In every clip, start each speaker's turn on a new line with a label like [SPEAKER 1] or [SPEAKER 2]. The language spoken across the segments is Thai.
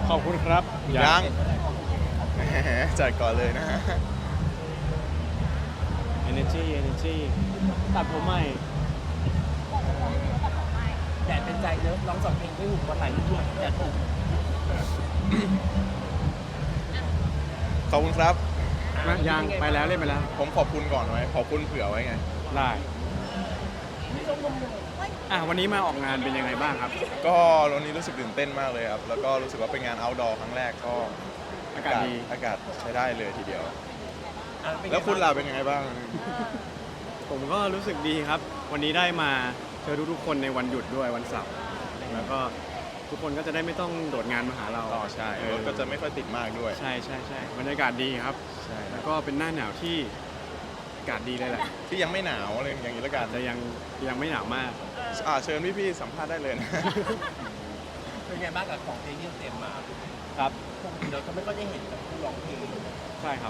[SPEAKER 1] ขอบคุณครับ
[SPEAKER 2] ยังแหมจัดก่อนเลยนะฮะ
[SPEAKER 1] energy ตัดผมใหม่
[SPEAKER 3] แดดเป็นใจเนอะร้อง2 เพลงด้วยหูวันไหลด้วยแดดถูก
[SPEAKER 2] ขอบคุณครับ
[SPEAKER 1] ยังไปแล้วเล่นไปแล้ว
[SPEAKER 2] ผมขอบคุณก่อนไว้ขอบคุณเผื่อไว้ไง
[SPEAKER 1] ได้วันนี้มาออกงานเป็นยังไงบ้างครับ
[SPEAKER 2] ก็วันนี้รู้สึกตื่นเต้นมากเลยครับ แล้วก็รู้สึกว่าเป็นงาน outdoor ครั้งแรกก็
[SPEAKER 1] อากาศดี
[SPEAKER 2] อากาศใช้ได้เลยทีเดียว
[SPEAKER 3] เป็นไง
[SPEAKER 2] แล้วคุณล่ะเป็นยังไงบ้าง
[SPEAKER 1] ผมก็รู้สึกดีครับ วันนี้ได้มาเจอทุกๆคนในวันหยุดด้วยวันเสาร์แล้วก็ทุกคนก็จะได้ไม่ต้องโดดงานมาหาเรา
[SPEAKER 2] อ๋อใช่รถก็จะไม่ค่อยติดมากด้วย
[SPEAKER 1] ใช่บรรยากาศดีครับ
[SPEAKER 2] ใช่
[SPEAKER 1] แล้วก็เป็นหน้าหนาวที่อากาศดีเลยแหละ
[SPEAKER 2] ที่ยังไม่หนาวอะไรอย่างนี้ละกัน
[SPEAKER 1] แต่ยังไม่หนาวมาก
[SPEAKER 2] เชิญพี่ๆสัมภาษณ์ได้เลยนะ
[SPEAKER 3] เป็นไงบ้างกับของเพลงที่เตรียมมา
[SPEAKER 1] ครับ
[SPEAKER 3] ปกติเราก็ไม่ค่อยได้เห็นกับผู้ร้องเพลง
[SPEAKER 1] ใช่ครับ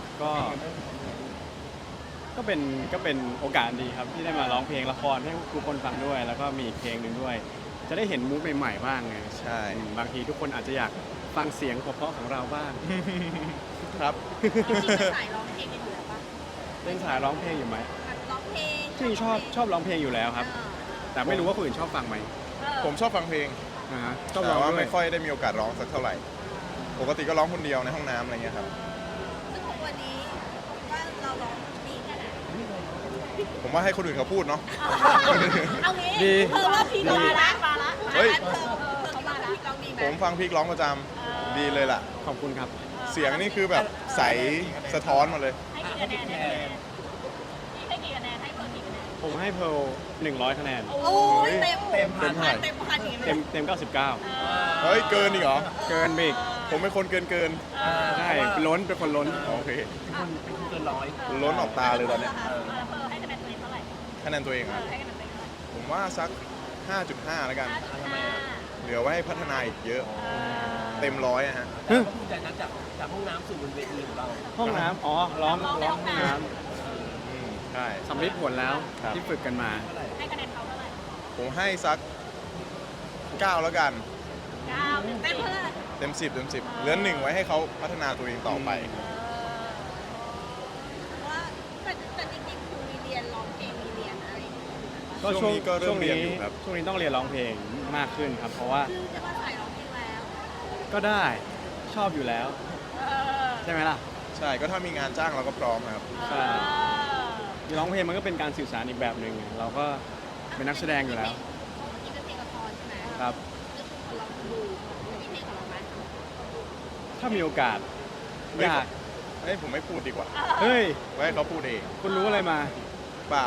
[SPEAKER 1] ก็เป็นโอกาสดีครับที่ได้มาร้องเพลงละครให้ทุกคนฟังด้วย แล้วก็มีอีกเพลงหนึ่งด้วย จะได้เห็นมูฟใหม่ๆบ้างไง
[SPEAKER 2] ใช่
[SPEAKER 1] บางทีทุกคนอาจจะอยากฟังเสียงเพราะๆของเราบ้าง
[SPEAKER 2] ครับ
[SPEAKER 4] สายร้องเพลงกันอยู่แล้วปะ
[SPEAKER 1] เล่นสายร้องเพลงอยู่ไหม
[SPEAKER 4] แบบร้องเพลง
[SPEAKER 1] จริงชอบร้องเพลงอยู่แล้วครับ แต่ไม่รู้ว่าคนอื่นชอบฟังไหม
[SPEAKER 2] ผมชอบฟังเพลง
[SPEAKER 1] ชอบ
[SPEAKER 2] แต่
[SPEAKER 1] ร้อง
[SPEAKER 2] ว่า
[SPEAKER 1] ด้ว
[SPEAKER 2] ไม่
[SPEAKER 1] ย
[SPEAKER 2] ค่อยได้มีโอกาสร้องสักเท่าไหร่ ปกติก็ร้องคนเดียวในห้องน้ำอะไรเงี้ยครับ
[SPEAKER 4] ซึ่งของวันนี้ว่าเราร้องดีแค่ไหน
[SPEAKER 2] ผมว่าให้คนอื่นเขาพูดเนาะ
[SPEAKER 4] เอางี้
[SPEAKER 1] ดี
[SPEAKER 4] เธอว่าพีมาละ
[SPEAKER 2] เฮ้ย
[SPEAKER 4] เธอคิดว่าพีร้องดีไหม
[SPEAKER 2] ผมฟังพีคร้องประจำดีเลยล่ะ
[SPEAKER 1] ขอบคุณครับ
[SPEAKER 2] เสียงนี่คือแบบใสสะท้อนมาเลย
[SPEAKER 4] ให้กี่คะแนนให้กี่คะแนนให้เพิ่มกี่คะแนน
[SPEAKER 1] ผมให้เพร์ล100 คะแนน
[SPEAKER 4] โอ้ยเต็ม
[SPEAKER 3] เต็มพัน
[SPEAKER 4] เต็มพันอย่างนี้เล
[SPEAKER 1] เต็
[SPEAKER 4] ย
[SPEAKER 1] ม99
[SPEAKER 2] เฮ้ย เกินอีกเหรอ
[SPEAKER 1] เกินไปอีก
[SPEAKER 2] ผมเป็นคนเกิน
[SPEAKER 1] ใช่เป็นคนล้น
[SPEAKER 2] โอเค
[SPEAKER 3] เป็นคนเกินร้อย
[SPEAKER 2] ล้นออกตาเลยตอนเนี้ย
[SPEAKER 4] เพิ่มให้คะแนนตัวเองเท่าไหร่
[SPEAKER 2] คะแนนตัวเองอะ
[SPEAKER 4] ให้คะแนนตัวเองเท่าไหร่
[SPEAKER 2] ผมว่าสัก 5.5 แล้วกัน
[SPEAKER 3] ทำไมอ่ะ
[SPEAKER 2] เหลือไว้ให้พัฒนาอีกเยอะ เต็มร้อยอะฮะ
[SPEAKER 3] แต่ก็ภูมิใจนะจากห้องน้ำสู่บนเวทีของเรา
[SPEAKER 1] ห้องน้ำร้องห้องน้
[SPEAKER 2] ใช่
[SPEAKER 1] ำสำลิดผลแล้ว
[SPEAKER 2] ครับ
[SPEAKER 1] ที่ฝึกกันมา
[SPEAKER 4] ให้คะแนนเขาเท่าไหร่
[SPEAKER 2] ผมให้สัก 9 แล้วกัน
[SPEAKER 4] 9เต็มเท่าไหร่
[SPEAKER 2] เต็ม 10 เหลือ1ไว้ให้เขาพัฒนาตัวเองต่อไป
[SPEAKER 4] ว่าแต่จริงๆคือมีเรียนร้องเพลงมีเรียนอะไรอย่างเงี้ย
[SPEAKER 1] ก็
[SPEAKER 2] ช่วงนี้ก็เริ่มเรียนอยู่ครับ
[SPEAKER 1] ช่วงนี้ต้องเรียนร้องเพลงมากขึ้นครับ เพราะว่า
[SPEAKER 4] คือจะมาสายร้องเพลงแล้ว
[SPEAKER 1] ก็ได้ชอบอยู่แล้ว ใช่ไหมล่ะ
[SPEAKER 2] ใช่ก็ถ้ามีงานจ้างเราก็พร้อมนะครับ
[SPEAKER 1] ใช่ร้องเพลงมันก็เป็นการสื่อสารอีกแบบหนึ่งเราก็เป็นนักแสดงอยู่แล้ว
[SPEAKER 4] นี่เป็นเพลงละครใช่ไหม
[SPEAKER 1] ครับ
[SPEAKER 4] ก็คือคนเราดูมีเพลงของเราไหม
[SPEAKER 1] ถ้ามีโอกาส
[SPEAKER 2] เฮ้ย
[SPEAKER 1] อยาก
[SPEAKER 2] เฮ้ยผมไม่พูดดีกว่า
[SPEAKER 1] เฮ้ย
[SPEAKER 2] ไว้ให้เขาพูดเอง
[SPEAKER 1] คุณรู้อะไรมา
[SPEAKER 2] เปล่า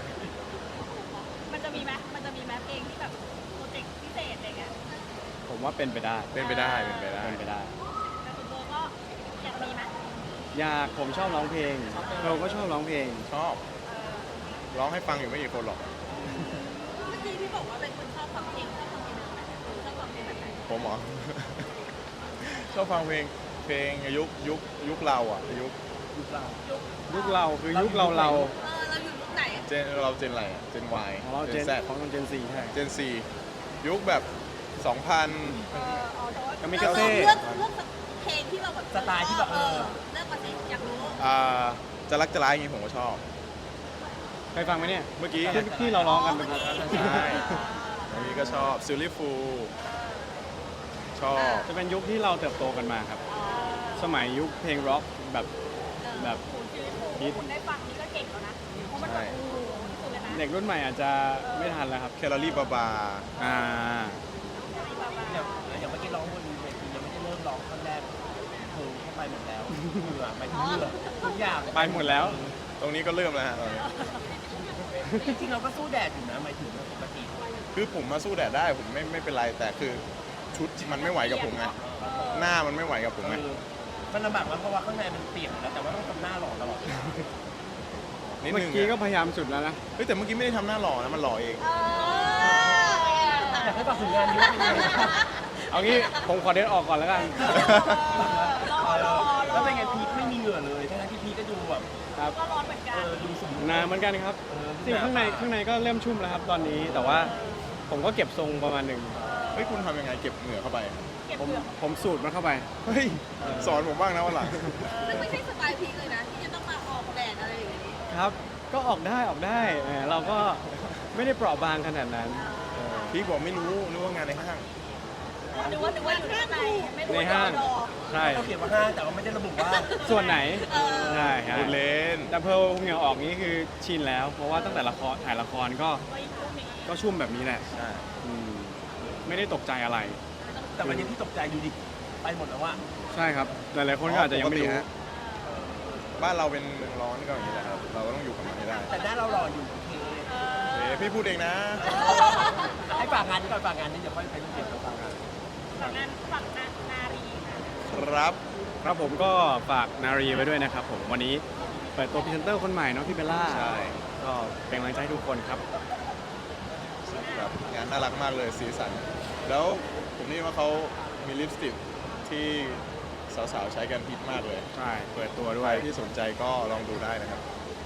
[SPEAKER 4] มันจะมีไหมเพลงที่แบบโปรเจกต์พิเศษอะไรเงี้ย
[SPEAKER 1] ผมว่าเป็นไปได้
[SPEAKER 2] เป็นไปได้เป็นไปได้
[SPEAKER 1] เป็นไปได้
[SPEAKER 4] แต่คุณโบก็อยากมีไหม
[SPEAKER 1] อยากผมชอบร้องเพลงเราก็ชอบร้องเพลง
[SPEAKER 2] ชอบ ร้องให้ฟังอยู่ไม่กี่คนหรอก
[SPEAKER 4] เมื่อกี้พี่บอกว่าเป็นคนชอบฟังเพลงชอบฟังเพลงแบบไหนชอบฟังเพลงแบบไหน
[SPEAKER 2] ผมเหรอ ชอบฟังยุคเราอ่ะยุค
[SPEAKER 1] ยุคเราคือยุคเรา
[SPEAKER 4] เราอยู่ยุคไหน
[SPEAKER 2] เจนเราเจนอะไรอ่ะเจน Y
[SPEAKER 1] ของเราเจน
[SPEAKER 2] Z
[SPEAKER 1] ของเราเจนซีใช่
[SPEAKER 2] เจน C ยุคแบบ 2000
[SPEAKER 1] ก็มีกาเซ่
[SPEAKER 4] เลือกเพลงที่เราแบบ
[SPEAKER 3] สไตล์ที่แบบ
[SPEAKER 4] เลือกมาสิอยากรู้
[SPEAKER 2] จะรักจะร้ายอย่างงี้ผมก็ชอบ
[SPEAKER 1] เคยฟังไหมเนี่ย
[SPEAKER 2] เมื่อกี้
[SPEAKER 1] ที่เราร้องกันเป็น
[SPEAKER 2] ใช่อันนี้ก็ชอบซิลลี่ฟูชอบ
[SPEAKER 1] จะเป็นยุคที่เราเติบโตกันมาครับ สมัยยุคเพลงร็อกแบบ ฮิต
[SPEAKER 4] คุณได้ฟังนี่ก็เก่งแล้วนะเพราะมันแบบโอ้โหสุดเลยนะ
[SPEAKER 1] เด็กรุ่นใหม่อาจจะไม่ทันแล้วครับ
[SPEAKER 2] แคลอรี่บาบา
[SPEAKER 1] อ่า
[SPEAKER 3] อย่างเมื่อกี้ร้องบนเวทียังไม่ได้เริ่มร้องท่อนแรกเธอเข้าไปหมดแล้วเหงื่อหมายถึงเหงื่อทุกอย่าง
[SPEAKER 1] ไปหมดแล้ว
[SPEAKER 2] ตรงนี้ก็เริ่มแล้วฮะตอนนี้
[SPEAKER 3] จริงๆเราก็สู้แดดอยู่นะหมายถึงปกติ
[SPEAKER 2] คือผมมาสู้แดดได้ผมไม่เป็นไรแต่คือชุดมันไม่ไหวกับผมไงหน้ามันไม่ไหวกับผมไง
[SPEAKER 3] มันลำบากมากเพราะว่าข้างในมันเปียกแล้วแต่ว่าต้องทำหน้าหล่อตลอด
[SPEAKER 2] นิด
[SPEAKER 1] เมื่อ
[SPEAKER 2] นึง
[SPEAKER 1] กี้ก็
[SPEAKER 2] อะ
[SPEAKER 1] พยายามสุดแล้วนะ
[SPEAKER 2] เฮ้ยแต่เมื่อกี้ไม่ได้ทำหน้าหล่อนะมันหล่อเอง
[SPEAKER 3] อยากให้ฝากถึงงานนี้ว่าเป็นยังไง
[SPEAKER 1] เอางี้ผมขอเดินออกก่อนแล้วกัน
[SPEAKER 3] แล้วเป็นไงพีคไม่มีเหงื่อเลยทั้งที่พีคก็ดูแบบ
[SPEAKER 1] ครับ
[SPEAKER 4] ก็ร้อนเหมือนกัน
[SPEAKER 3] ดูสมบูรณ์
[SPEAKER 1] นานเหมือนกันครับจริงข้างในก็เริ่มชุ่มแล้วครับตอนนี้ แต่ว่าผมก็เก็บทรงประมาณหนึ่ง
[SPEAKER 2] เฮ้ยคุณทำยังไงเก็บเหงื่อเข้าไป
[SPEAKER 4] เก็บ
[SPEAKER 1] ผมสูตรมันเข้าไป
[SPEAKER 2] เฮ้ยสอนผมบ้างนะวันหลัง
[SPEAKER 4] ซึ่งไม่ใช่สไตล์พีคเลยนะที่จะต้องมาออกแดดอะไรอย่างนี้
[SPEAKER 1] ครับ ก็ออกได้เราก็ไม่ได้เปราะบางขนาดนั้น
[SPEAKER 2] พี่บอกไม่รู้นึกว่างานในห้าง
[SPEAKER 4] นึกว่าอยู่ข้างในไม่รู้
[SPEAKER 1] ใน
[SPEAKER 4] ว่า
[SPEAKER 1] ห้าง
[SPEAKER 4] รอ
[SPEAKER 1] ใช่
[SPEAKER 3] เราเขียนว่าห้างแต่ว่าไม่ได้ระบุว่า
[SPEAKER 1] ส่วนไหน
[SPEAKER 4] เออ
[SPEAKER 1] ใช่ครั
[SPEAKER 2] พูดเล่น
[SPEAKER 1] แต่เพลเหงื่อออกนี้คือชินแล้ว เพราะว่าตั้งแต่ถ่ายละครก็ชุ่มแบบนี้แหละ
[SPEAKER 2] ใช่
[SPEAKER 1] อืมไม่ได้ตกใจอะไร
[SPEAKER 3] แต่วันนี้พี่ตกใจอยู่ดิไปหมดแล้วว่า
[SPEAKER 1] ใช่ครับ หลายๆคนก็อาจจะยังไม่รู้
[SPEAKER 2] ปกติฮะบ้านเราเป็นเมืองร้อนก็อย่างนี้แหละครับเราก็ต้องอยู่กับมันให้ได้
[SPEAKER 3] แต่หน้าเราหล่ออยู่โอเค
[SPEAKER 2] พี่พูดเองนะ
[SPEAKER 3] ให้ฝากงานนี้ก่อนฝากงานนี้เดี๋ยวค่อยไปรูปเก็บแล้วฝากงาน
[SPEAKER 4] ฝั่งนารีค่ะ
[SPEAKER 2] ครับ
[SPEAKER 1] ครับผมก็ฝากนารีไว้ด้วยนะครับผมวันนี้เปิดตัวพรีเซนเตอร์คนใหม่เนาะพี่เบลล่า
[SPEAKER 2] ใช่
[SPEAKER 1] ก็เป็นกำลังใจให้ทุกคนครับ
[SPEAKER 2] ครับงานน่ารักมากเลยสีสัน แล้วผมนี่ว่าเขามีลิปสติกที่สาวๆใช้กันฮิตมากเลย
[SPEAKER 1] ใช่เปิดตัวด้
[SPEAKER 2] ใค
[SPEAKER 1] ว
[SPEAKER 2] ร
[SPEAKER 1] ย
[SPEAKER 2] ที่สนใจก็ลองดูได้นะครับ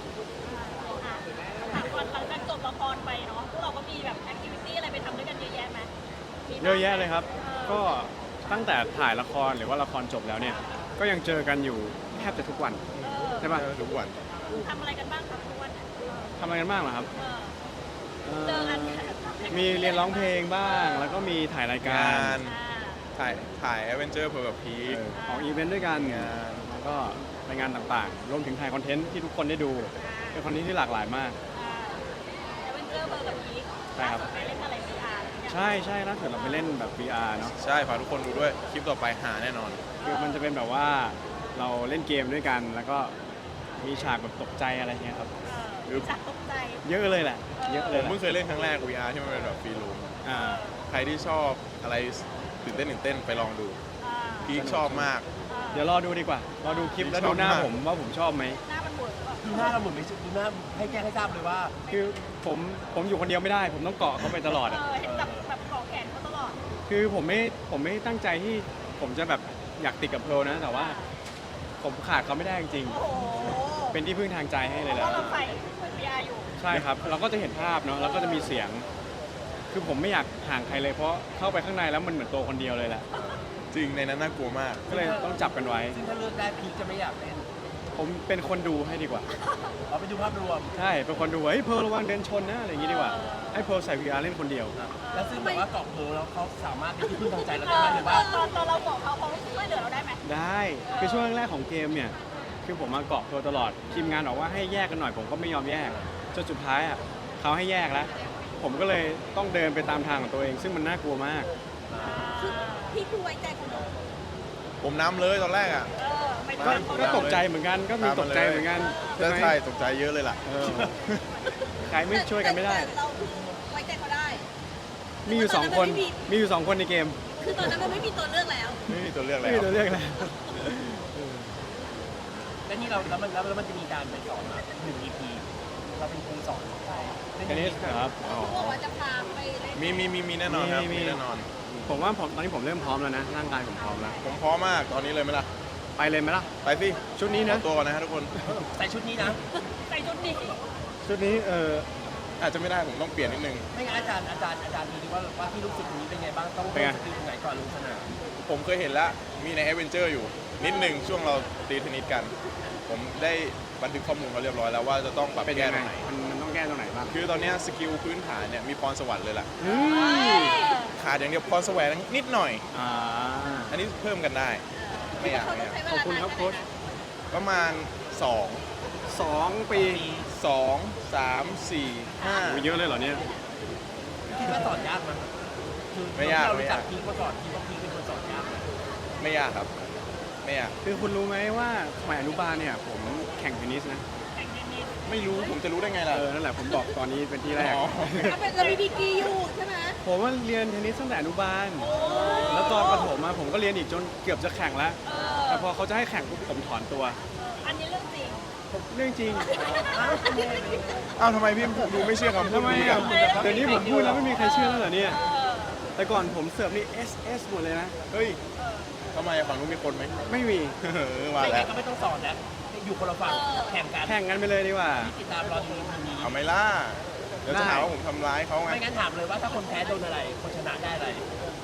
[SPEAKER 4] หลังจากจบละครไปเนาะพวกเราก็มีแบบแอคทิวิตี้อะไรไปทำด้วยกันเยอะแยะไหมมีบ้าง
[SPEAKER 1] เยอะแยะเลยครับ ก็ตั้งแต่ถ่ายละครหรือว่าละครจบแล้วเนี่ยก็ยังเจอกันอยู่แทบจะทุกวันใช่ปะ
[SPEAKER 2] ทุกวัน
[SPEAKER 4] ทำอะไรกันบ้างครับทุกวันเนี่ย
[SPEAKER 1] ทำอะไรกันบ้างเหรอครับ
[SPEAKER 4] เจอกัน
[SPEAKER 1] มีเรียนร้องเพลงบ้าง แล้วก็มีถ่ายรายการ
[SPEAKER 2] งาน ถ่ายแอดเวนเจอร์เพื่อกับพีค
[SPEAKER 1] ออกอีเวนต์ด้วยกันแล้วก็ไปงานต่างๆ รวมถึงถ่ายคอนเทนต์ที่ทุกคนได้ดู เป็นคอนเทนต์ที่หลากหลายมาก
[SPEAKER 4] แอดเวนเจอร์เบอร์กับพีค
[SPEAKER 1] ใช่ครับ
[SPEAKER 4] ไปเล่นอะไรพีอาร์
[SPEAKER 1] ใช่ล่าสุดเราไปเล่นแบบ VR เนาะ
[SPEAKER 2] ใช่ฝากทุกคนดูด้วย คลิปต่อไปหาแน่นอน
[SPEAKER 1] คือมันจะเป็นแบบว่าเราเล่นเกมด้วยกัน แล้วก็มีฉากแบบตกใจอะไรเงี้ยครับ
[SPEAKER 4] จากตกใจ
[SPEAKER 1] เยอะเลยแหละ เยอะ
[SPEAKER 2] ผ
[SPEAKER 1] เลย
[SPEAKER 2] ม
[SPEAKER 1] แหละ
[SPEAKER 2] เพิ่งเคยเล่นครั้งแรก VR ที่มันเป็นแบบฟรีรูม
[SPEAKER 1] อ่า
[SPEAKER 2] ใครที่ชอบอะไรตื่นเต้นไปลองดู พีคชอบมาก
[SPEAKER 1] เดี๋ยวรอดูดีกว่า รอดูคลิปแล้วดูหน้า
[SPEAKER 2] ชอบมาก
[SPEAKER 1] ผมว่าผมชอบไหม
[SPEAKER 4] หน้ามันเวิร์กแบบ
[SPEAKER 3] ดูหน้าเราเหมือนไม่ดูหน้าให้แจ้งให้ทราบเลยว่า
[SPEAKER 1] คือผมอยู่คนเดียวไม่ได้ ผมต้องเกาะเขาไปตลอดอะ
[SPEAKER 4] เห็นแบบขอแขนเขาตลอด
[SPEAKER 1] คือผมไม่ตั้งใจที่ผมจะแบบอยากติดกับเพร์ลนะ แต่ว่าผมขาดเขาไม่ได้จริง
[SPEAKER 4] โอ้โห
[SPEAKER 1] ๆเป็นที่พึ่งทางใจให้เลยแห
[SPEAKER 4] เพ
[SPEAKER 1] ละ
[SPEAKER 4] ราะเราใส่พีอาร์อยู่
[SPEAKER 1] ใช่ครับ เราก็จะเห็นภาพเนาะ แล้วก็จะมีเสียง คือผมไม่อยากห่างใครเลย เพราะเข้าไปข้างในแล้วมันเหมือนตัวคนเดียวเลยแหละ
[SPEAKER 2] จริงในนั้นน่ากลัวมาก
[SPEAKER 1] ก็เลยต้องจับกันไว้
[SPEAKER 3] ซึ่งถ้าเลือกได้พีคจะไม่อยากเล่น
[SPEAKER 1] ผมเป็นคนดูให้ดีกว่า
[SPEAKER 3] เอาไปดูภาพรวม
[SPEAKER 1] ใช่ เป็นคนดูว่าเฮ้ยเพร์ลระวังเดินชนนะอะไรอย่างงี้ดีกว่า ให้เพร์ลใส่ VR เล่นคนเดียว
[SPEAKER 3] แล้วซึ่งแบบว่าเกาะเพลแล้วเขาสามารถเป็นที่พึ่งทางใจเราได้ไหมหรือว่า
[SPEAKER 4] ตอนเราบอกเขาช่วยเหลือเราได้ไหม
[SPEAKER 1] ได้ คือช่วงแรกๆของเกมเนี่ย คือผมมาเกาะเพร์ลตลอด ทีมงานบอกว่าให้แยกกันหน่อย ผมก็ไม่ยอมแยก จนสุดท้ายอ่ะเขาให้แยกแล้ว ผมก็เลยต้องเดินไปตามทางของตัวเอง ซึ่งมันน่ากลัวมาก
[SPEAKER 4] คือพี่คือไว้ใจคนอื่น
[SPEAKER 2] ผมน้ำเลยตอนแรกอ่ะ
[SPEAKER 4] ไม่
[SPEAKER 1] ก็
[SPEAKER 4] ได้เขา
[SPEAKER 1] ก็ตกใจเหมือนกัน ก็มีตกใจเหมือนกัน
[SPEAKER 2] ใช่ตกใจเยอะเลยล่ะ
[SPEAKER 1] เออใครไม่ช่วยกันไม่ได้
[SPEAKER 4] แต่เราคือไว้ใจเขาได้
[SPEAKER 1] มีอยู่สองคน มีอยู่สองคนในเกม
[SPEAKER 4] คือตอนนั้นมันไม่มีตัวเลือกแล้ว
[SPEAKER 2] ไม่มีตัวเลือก
[SPEAKER 1] ไม่
[SPEAKER 2] แล้ว
[SPEAKER 1] มีตัวเลือกแล้ว
[SPEAKER 3] แล้วนี่เราแล้วมันจะมีการไปสอนมา1 EP เราเป็นครูสอนใช่เล่น
[SPEAKER 1] เทนนิสครับ
[SPEAKER 4] เขาบอกว่าจะพาไปเล่น
[SPEAKER 2] มีแน่นอนครับ
[SPEAKER 1] มี
[SPEAKER 2] มีแน่นอน
[SPEAKER 1] ผมว่าตอนนี้ผมเริ่มพร้อมแล้วนะ ร่างกายผมพร้อมแล้ว
[SPEAKER 2] ผมพร้อมมากตอนนี้เลยไหมล่ะ
[SPEAKER 1] ไปเลยไหมล่ะ
[SPEAKER 2] ไปสิ
[SPEAKER 1] ชุดนี้นะ
[SPEAKER 2] เอาตัวก่อนนะฮะทุกคน
[SPEAKER 3] ใส่ชุดนี้นะ
[SPEAKER 4] ใส่ชุดนี้
[SPEAKER 1] ชุดนี้
[SPEAKER 2] อาจจะไม่ได้ผมต้องเปลี่ยนนิดนึง
[SPEAKER 3] ไม่งั้นอาจารย์ดูดิว่าที่ลูกศิษย์คนนี้เป็นไงบ้างต้อง
[SPEAKER 1] เป็นไง
[SPEAKER 3] สกิลตรงไหนก่อนลงสนาม
[SPEAKER 2] ผมเคยเห็นแล้ว มีในแอดเวนเจอร์อยู่ นิดนึงช่วงเราตีเทนนิสกัน ผมได้บันทึกข้อมูลเขาเรียบร้อยแล้วว่าจะต้องปรับ
[SPEAKER 1] เป็น
[SPEAKER 2] แก้
[SPEAKER 1] ยัง
[SPEAKER 2] ต
[SPEAKER 1] ไง
[SPEAKER 2] รงไหน
[SPEAKER 1] มันต้องแก้ตรงไหนบ้าง
[SPEAKER 2] คือตอนเนี้ยสกิลพื้นฐานเนี่ยมีพรสวรรค์เลยล่ะ
[SPEAKER 1] อืม
[SPEAKER 2] ขาดอย่างเดียวพรแสวงนิดหน่อย
[SPEAKER 1] อ่า
[SPEAKER 2] อันนี้เพิ่มกันได้ ไม่อยาก
[SPEAKER 4] เขาต้องใช้เว
[SPEAKER 1] ขอบ
[SPEAKER 4] ลา
[SPEAKER 1] คุณ
[SPEAKER 4] นาน
[SPEAKER 1] ครับ
[SPEAKER 4] แค่
[SPEAKER 1] โค้ช
[SPEAKER 4] ไหนนะ
[SPEAKER 2] ประมาณ
[SPEAKER 1] 2 ปี
[SPEAKER 2] 2 3 4
[SPEAKER 1] โอ้เยอะเลยเหรอเนี่ย
[SPEAKER 3] คิดว่าสอนยากมั้ยคือ
[SPEAKER 2] ไม่ยาก
[SPEAKER 3] เรา
[SPEAKER 2] ไม่
[SPEAKER 3] รู้
[SPEAKER 2] ยา
[SPEAKER 3] จั
[SPEAKER 2] ก
[SPEAKER 3] กพีคมาก่อนคิดว่าพีคเป็นคนสอนยากไหม
[SPEAKER 2] ไม่ยากครับ ไม่ยาก
[SPEAKER 1] คือคุณรู้ไหมว่าสมัยอนุบาลเนี่ยผมแข่งเทนนิสนะ
[SPEAKER 4] แข่งเทนนิส
[SPEAKER 2] ไม่รู้ผมจะรู้ได้ไงล่ะ
[SPEAKER 1] นั่นแหละผมบอกตอนนี้เป็นที่แรก
[SPEAKER 2] อ๋อ
[SPEAKER 4] เราเป็นเรามีดีกรีอยู่ใช่ไหม
[SPEAKER 1] ผมว่าเรียนเทนนิสตั้งแต่อนุบาล
[SPEAKER 4] โอ้
[SPEAKER 1] แล้วตอนประถมมาผมก็เรียนอีกจนเกือบจะแข่งแล้ว แต่พอเขาจะให้แข่งปุ๊บผมถอนตัว
[SPEAKER 4] อันนี้เรื่องจริง
[SPEAKER 1] เรื่องจริง
[SPEAKER 2] อ้าวทำไมพี่ดูไม่เชื่อคำพู
[SPEAKER 1] ทำ
[SPEAKER 2] ด
[SPEAKER 1] ไม
[SPEAKER 2] นี้
[SPEAKER 1] อ่ะ
[SPEAKER 2] กัน
[SPEAKER 1] เดี๋ยวนี้ผมพูดแล้วไม่มีใครเชื่อแล้วเหรอเนี่ย แต่ก่อนผมเสิร์ฟนี่ SS หมดเลยนะ
[SPEAKER 2] เฮ้ยทำไมอะฝั่งนู้นมีคนไหม
[SPEAKER 1] ไม่มี
[SPEAKER 2] มา
[SPEAKER 3] ไม่
[SPEAKER 2] แล้
[SPEAKER 3] งั้
[SPEAKER 2] วน
[SPEAKER 3] ก็ไม่ต้องสอนแล้วอยู่คนละฝั่งแข่งกัน
[SPEAKER 1] แข่งกันไปเลยดีกว่า
[SPEAKER 3] ติดตามรอดูทีนี้
[SPEAKER 2] เอาไหมล่ะเดี๋ยวจะหาว่าผมทำร้ายเขาไง
[SPEAKER 3] ไม่งั้นถามเลยว่าถ้าคนแพ้โดนอะไร คนชนะได้อะไร
[SPEAKER 1] ผ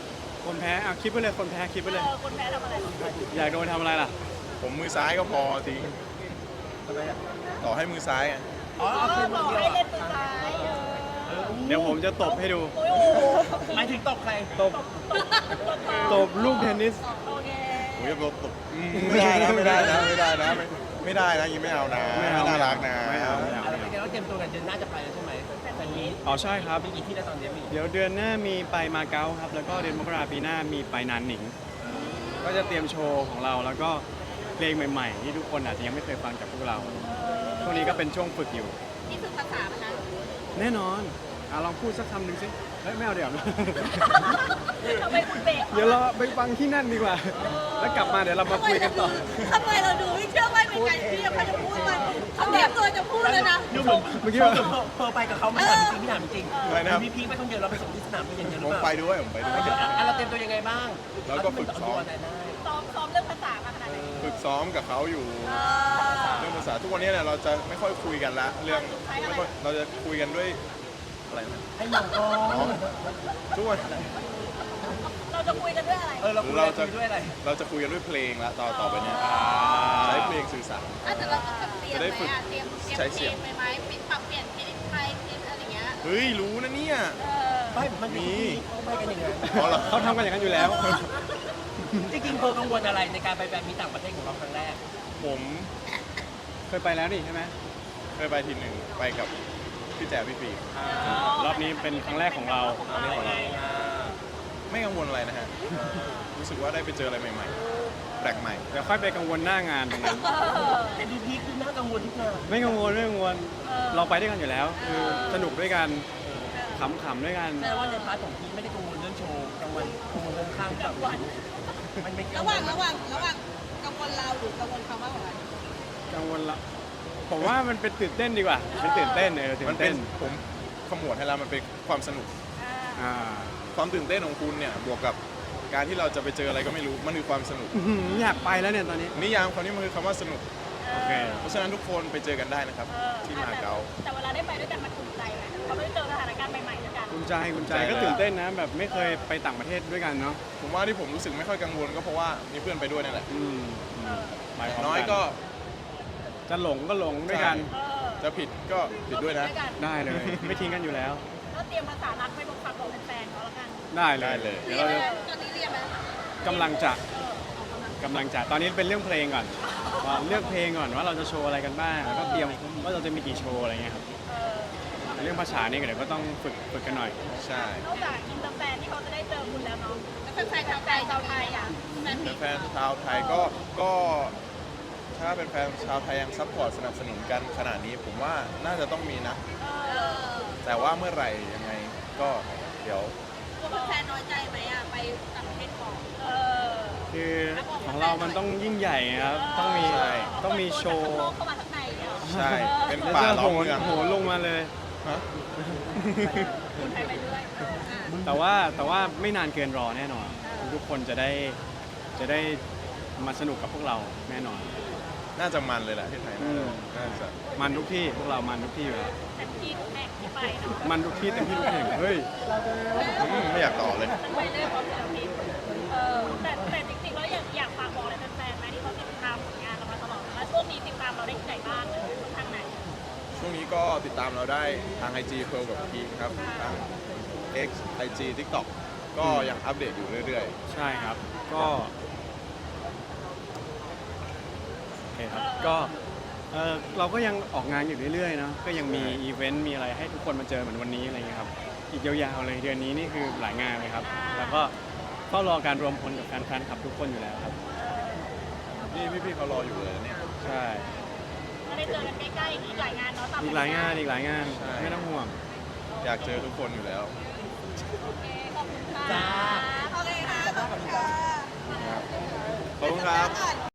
[SPEAKER 1] คนแพ้อ่ะคิดไปเลยคนแพ้คิดไปเลย
[SPEAKER 4] คนแพ้ทำอะไร
[SPEAKER 1] อยากโดนทำอะไรล่ะ
[SPEAKER 2] ผมมือซ้ายก็พอจริง
[SPEAKER 3] ทำไมอ่ะ
[SPEAKER 2] ต่อให้มือซ้ายอะ
[SPEAKER 3] อ๋อ
[SPEAKER 4] เอ
[SPEAKER 3] เอา
[SPEAKER 4] อ
[SPEAKER 3] คืน
[SPEAKER 4] บ
[SPEAKER 3] มื
[SPEAKER 4] อ
[SPEAKER 3] อก เดียว
[SPEAKER 4] ให้เล่
[SPEAKER 3] อะ
[SPEAKER 4] นมือซ้าย
[SPEAKER 1] เดี๋ยวผมจะตบให้ดู
[SPEAKER 4] โอ้โห
[SPEAKER 3] หมายถึงตบใคร
[SPEAKER 1] ตบตบลูกเทนนิส
[SPEAKER 4] โอเค
[SPEAKER 2] ผมจะตบไม่ได้นะไม่ได้นะไม่ได้นะไม่ได้นะยิงไม่เอานะ
[SPEAKER 1] ไม่เอา
[SPEAKER 2] น่ารักนะ
[SPEAKER 1] ไม่เอาไม่เอา
[SPEAKER 3] อะไรเป็นไงว่าเตรียมตัวกันเดือนหน้าจะไปแล้วใช่ไหมแต่นี้
[SPEAKER 1] อ๋อใช่ครับ
[SPEAKER 3] มีกี่ที่แล้วตอนนี้มี
[SPEAKER 1] เดี๋ยวเดือนหน้ามีไปมาเก๊าครับ แล้วก็เดือนมกราปีหน้ามีไปนานหนิง ก็จะเตรียมโชว์ของเราแล้วก็เพลงใหม่ๆ ที่ทุกคนอาจจะยังไม่เคยฟังจากพวกเรา ช่วงนี้ก็เป็นช่วงฝึกอยู่
[SPEAKER 4] นี่คือภาษามันนะ
[SPEAKER 1] แน่นอนลองพูดสักคำหนึ่งสิเฮ้ยไม่เอาเดี๋ยว
[SPEAKER 4] ทำไมคุณเบรก
[SPEAKER 1] เดี๋ยวเราไปฟังที่นั่นดีกว่า แล้วกลับมาเดี๋ยวเรามาคุยกันต่อ
[SPEAKER 4] ทำไมเราดูไม่เชื่อว่าเป็นไงที่ยังไม่จะพูดมันเขาเตรียมตัวจะพูดแล้วนะ
[SPEAKER 3] ดูเหมือน
[SPEAKER 1] เมื่อกี้
[SPEAKER 3] เ
[SPEAKER 1] ว่า
[SPEAKER 3] พอไปกับเขาไม่ถามจริงพี่ถามจริง
[SPEAKER 2] อะไรนะครับ
[SPEAKER 3] พี่พีคไปคนเดียวเราไปส่งที่สนามบินอย่างเดียวห
[SPEAKER 2] ผ
[SPEAKER 3] รือ
[SPEAKER 2] ม
[SPEAKER 3] เป
[SPEAKER 2] ไป
[SPEAKER 3] ล่า
[SPEAKER 2] ด้วยผมไปด้วย
[SPEAKER 3] เราเตรียมตัวยังไงบ้าง
[SPEAKER 2] แล้วก็ฝึกซ้อม
[SPEAKER 3] ได้
[SPEAKER 4] ซ้อมเรื่องภาษามาขนาดไหน
[SPEAKER 2] ฝึกซ้อมกับเขาอยู่เรื่องภาษาทุกวันนี้เนี่ยเราจะไม่ค่อยคุยกันละเรื่องไม่ค่อยเราจะคุยกันด้วยอะไรนะ
[SPEAKER 3] ให้มองกล้อง
[SPEAKER 2] ทุกวัน
[SPEAKER 4] เราจะคุยกันด้วยอะไร
[SPEAKER 3] เราคุย
[SPEAKER 2] เราจะ
[SPEAKER 3] ด้วยอะไร
[SPEAKER 2] เราจะคุยกันด้วยเพลงละต่อไปเนี่ยใช้เพลงสื่อสาร
[SPEAKER 4] แต่เราต้องเตรียม
[SPEAKER 2] จะได้ฝึก
[SPEAKER 4] ไหมเตรียม
[SPEAKER 2] ใช้เสียง
[SPEAKER 4] ไปไหมปรับเปลี่ยนเพลงไทยเพลงอะไรอย่างเงี้ย
[SPEAKER 2] เฮ้ยรู้นะเนี่ย
[SPEAKER 3] ไม่มัน
[SPEAKER 2] มี
[SPEAKER 3] เขาไปกันยังไง
[SPEAKER 2] อ๋อเหรอ
[SPEAKER 1] เขาทำกันอย่างนั้นอยู่แล้ว
[SPEAKER 3] จริงๆเธอกังวลอะไรในการไปแบบมีต่างประเทศของเราครั้งแรก
[SPEAKER 2] ผม
[SPEAKER 1] เคยไปแล้วนี่ใช่ไหม
[SPEAKER 2] เคยไปทีหนึ่งไปกับพี่แจ๋วพี่ฟี
[SPEAKER 1] รอบนี้เป็นครั้งแรกของเรา
[SPEAKER 2] ไม่กังวลอะไรนะฮะรู้สึกว่าได้ไปเจออะไรใหม่ๆแปลกใหม่
[SPEAKER 1] เดี๋ยวค่อยไปกังวลหน้างานตรงนั้น
[SPEAKER 3] แต่ดูพีคคือน่ากังวลทุกงาน
[SPEAKER 1] ไม่กังวลไม่กังวลเราไปด้วยกันอยู่แล้ว คือสนุกด้วยกันขำๆด้วยกัน
[SPEAKER 3] แสดงว่าในพาร์ทของพีคไม่ได้กังวลเรื่องโชว์กังวลเรื่องข้างกับมันเป็น
[SPEAKER 4] ระหว่างกังวลเราหรือกังวลเขามากกว่ากัน
[SPEAKER 1] กังวลละผมว่ามันเป็นตื่นเต้นดีกว่า เป็นตื่นเต้นตื่
[SPEAKER 2] มัน
[SPEAKER 1] น
[SPEAKER 2] เป็
[SPEAKER 1] เต้
[SPEAKER 2] น
[SPEAKER 1] น
[SPEAKER 2] ผมขมวดให้แล้วมันเป็นความสนุก
[SPEAKER 1] อ่า
[SPEAKER 2] ความตื่นเต้นของคุณเนี่ยบวกกับการที่เราจะไปเจออะไรก็ไม่รู้มันคือความสนุก
[SPEAKER 1] อื้อหืออยากไปแล้วเนี่ยตอนนี้
[SPEAKER 2] นิยามคำนี้มันคือคำว่าสนุก
[SPEAKER 1] โอเค
[SPEAKER 2] เพราะฉะนั้นทุกคนไปเจอกันได้นะครับ ที่มาเก๊า
[SPEAKER 4] แต่เวลาได้ไปด้วยกันมันอุ่นใจไหมเราได้เจอสถานการณ์ใหม่ๆด้วยกัน
[SPEAKER 1] คุณใจคุณใจ
[SPEAKER 2] ใจเลย
[SPEAKER 1] ก็ตื่นเต้นนะ แบบไม่เคยไปต่างประเทศด้วยกันเนาะ
[SPEAKER 2] ผมว่าที่ผมรู้สึกไม่ค่อยกังวลก็เพราะว่ามีเพื่อนไปด้วยนี่แหละ
[SPEAKER 1] ไปพร้อม
[SPEAKER 2] น้อย
[SPEAKER 1] กัน
[SPEAKER 2] ก็
[SPEAKER 1] จะหลงก็หลงด้วยกัน
[SPEAKER 2] จะผิดก็ผิดด้วยนะ
[SPEAKER 1] ได้เลย ไม่ทิ้งกันอยู่แล้ว
[SPEAKER 4] ก็เตรียมภาษารักไปบอกฝากบอกแฟนๆเขาแล้วกัน
[SPEAKER 1] ได้เลย
[SPEAKER 2] ได้เลย
[SPEAKER 1] เดี๋ยวเราจะ
[SPEAKER 4] ตอนนี้เรียนไหม
[SPEAKER 1] กำลังจะตอนนี้เป็นเรื่องเพลงก่อนเลือกเพลงก่อนว่าเราจะโชว์อะไรกันบ้างแล้วก็เตรียมว่าเราจะมีกี่โชว์อะไรเงี้ยครับเรื่องภาษานี่ก็เดี๋ยวก็ต้องฝึกกันหน่อย
[SPEAKER 2] ใช่
[SPEAKER 4] นอกจากอินเตอร์แฟนที่เขาจะได้เจอคุณแล้วเนาะแล้วแฟนชาวไทยชาวไทยอ่ะแฟนมี
[SPEAKER 2] แฟนๆชาวไทยก็ถ้าเป็นแฟนชาวไทยยังซัพพอร์ตสนับสนุนกันขนาดนี้ผมว่าน่าจะต้องมีนะ แต่ว่าเมื่อไหร่ยังไงก็เดี๋ยว
[SPEAKER 4] ตัวแฟนน้อยใจไหมอ่ะไปต่างประเทศก่อน
[SPEAKER 1] คือของเรามันต้องยิ่งใหญ่ครับต้องมีโชว์
[SPEAKER 4] เข้ามาข้างในเนี่ย
[SPEAKER 2] ใช่เป็น
[SPEAKER 1] แล้ว
[SPEAKER 2] ป่า
[SPEAKER 1] จะ
[SPEAKER 2] ล้อมเมือง
[SPEAKER 1] โหนลงมาเลย
[SPEAKER 2] ฮะ
[SPEAKER 4] คุณไทยไปเรื่อย
[SPEAKER 1] แต่ว่าไม่นานเกินรอแน่นอน ทุกคนจะได้มาสนุกกับพวกเราแน่นอน
[SPEAKER 2] น่าจะมันเลยแหละที่ไทยน่าจะ
[SPEAKER 1] มันทุกที่พวกเรามันทุกที่อยู่แล้ว
[SPEAKER 4] แต่ที่ทุกแห่งที่ไปเนาะ
[SPEAKER 1] มันทุกที่เต็มที่ทุกแห่งเฮ้ย
[SPEAKER 2] ไม่อยากต่อเลย
[SPEAKER 4] ไปเรื่อยพร้อมศิลปินแต่จริงๆแล้วอยากฝากบอกอะไรแฟนๆไหมที่เขาติดตามผลงานเรามาตลอดแล้วช่วงนี้ติดตามเราได้ที่ไหนบ้างทางไหน
[SPEAKER 2] ช่วงนี้ก็ติดตามเราได้ทาง IG เพลกับพีคครับทาง X IG TikTok ก็ยังอัปเดตอยู่เรื่อย
[SPEAKER 1] ใช่ครับก็โอเคครับก็เราก็ยังออกงานอยู่เรื่อยๆเนอะก็ยังมีอีเวนต์มีอะไรให้ทุกคนมาเจอเหมือนวันนี้อะไรเงี้ยครับอีกยาวๆเลยเดือนนี้นี่คือหลายงานเลยครับ แล้วก็เฝ้ารอการรวมพลกับแฟนคลับทุกคนอยู่แล้วครับ
[SPEAKER 2] ๆ นี่พี่ๆเขารออยู่เลยนะเนี่ย
[SPEAKER 1] ใช่
[SPEAKER 4] ก็ได้เจอกันใกล้ๆอีกหลายงานเนาะ
[SPEAKER 1] อีกหลายงาน
[SPEAKER 2] ใช่
[SPEAKER 1] ไม่ต้องห่วง
[SPEAKER 2] อยากเจอทุกคนอยู่แล้ว
[SPEAKER 4] โอเคขอบคุณค่ะ
[SPEAKER 3] จ้า
[SPEAKER 4] โอเคค่ะขอบคุณค่ะ
[SPEAKER 2] ขอบคุณครับ